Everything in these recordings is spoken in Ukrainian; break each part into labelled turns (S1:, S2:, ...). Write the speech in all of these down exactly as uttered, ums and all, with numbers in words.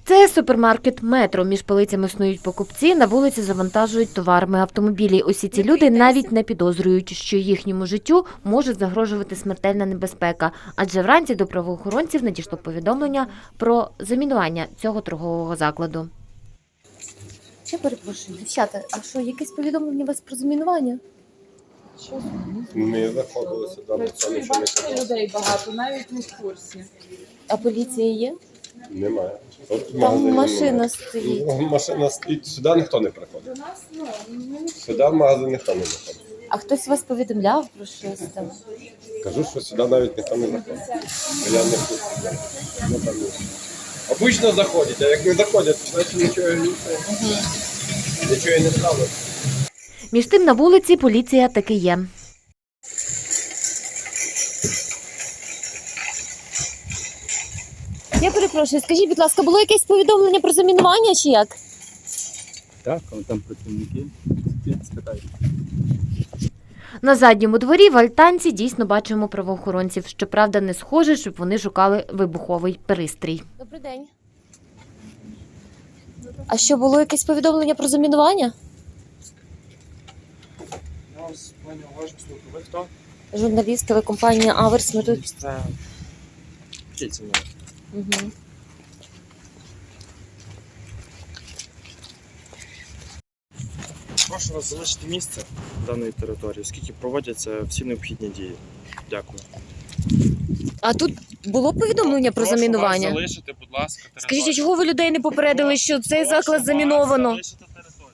S1: Це супермаркет «Метро». Між полицями снують покупці, на вулиці завантажують товарами автомобілі. Усі ці люди навіть не підозрюють, що їхньому життю може загрожувати смертельна небезпека. Адже вранці до правоохоронців надійшло повідомлення про замінування цього торгового закладу. Я перепрошую, дівчата, а що, якесь повідомлення у вас про замінування?
S2: Ми заходили сюди, ніхто нічого не казав.
S3: Людей багато, навіть не в курсі.
S1: А поліція є?
S2: Немає. Тут
S1: Там
S2: магазинів
S1: машина
S2: немає.
S1: стоїть.
S2: Ну, Машина стоїть, сюди ніхто не приходить.
S3: До нас, ну, ми
S2: Сюди в магазин ніхто не заходить.
S1: А хтось вас повідомляв про щось там?
S2: Кажу, що сюди навіть ніхто не заходить. Я не хочу. Ну, там ні. Обично заходять, а як не заходять, значить нічого, нічого і не сталося.
S1: Між тим на вулиці поліція таки є. Я перепрошую, скажіть, будь ласка, було якесь повідомлення про замінування чи як?
S4: Так, але там працівники, спитайте.
S1: На задньому дворі в альтанці дійсно бачимо правоохоронців. Щоправда, не схоже, щоб вони шукали вибуховий пристрій. Добрий день. А що, було якесь повідомлення про замінування?
S4: Я вас пані уважно слухаю. Ви хто?
S1: Журналіст телекомпанії «Аверс». Ми тут...
S4: Це... Вчіться мене.
S1: Угу.
S4: Прошу вас залишити місце даної території, оскільки проводяться всі необхідні дії. Дякую.
S1: А тут було повідомлення про
S4: Прошу
S1: замінування?
S4: вас залишити, будь ласка, територію.
S1: Скажіть, а чого ви людей не попередили, що цей
S4: Прошу
S1: заклад
S4: вас
S1: заміновано?
S4: залишити територію.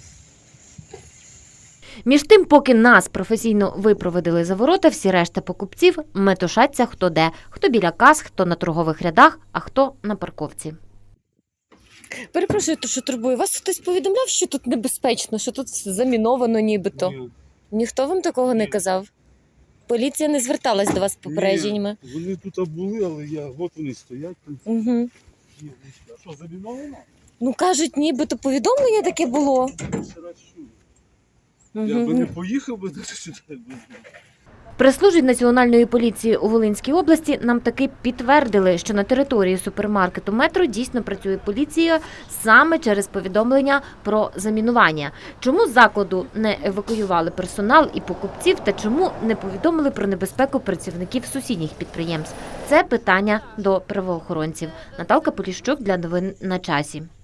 S1: Між тим, поки нас професійно випроводили за ворота, всі решта покупців метушаться хто де. Хто біля кас, хто на торгових рядах, а хто на парковці. Перепрошую, то що турбує. Вас хтось повідомляв, що тут небезпечно, що тут заміновано нібито?
S5: Ні,
S1: Ніхто вам такого не казав? Поліція не зверталась до вас з попередженнями?
S5: ні, вони тут були, але я, от вони стоять. Там,
S1: Угу.
S5: ні, а що, заміновано?
S1: Ну, кажуть, нібито повідомлення таке було.
S5: Я ще раз чую. Я би
S1: Угу.
S5: не поїхав би до сюди. якби знав.
S1: Прес-службі Національної поліції у Волинській області нам таки підтвердили, що на території супермаркету «Метро» дійсно працює поліція саме через повідомлення про замінування. Чому з закладу не евакуювали персонал і покупців та чому не повідомили про небезпеку працівників сусідніх підприємств? Це питання до правоохоронців. Наталка Поліщук для новин на часі.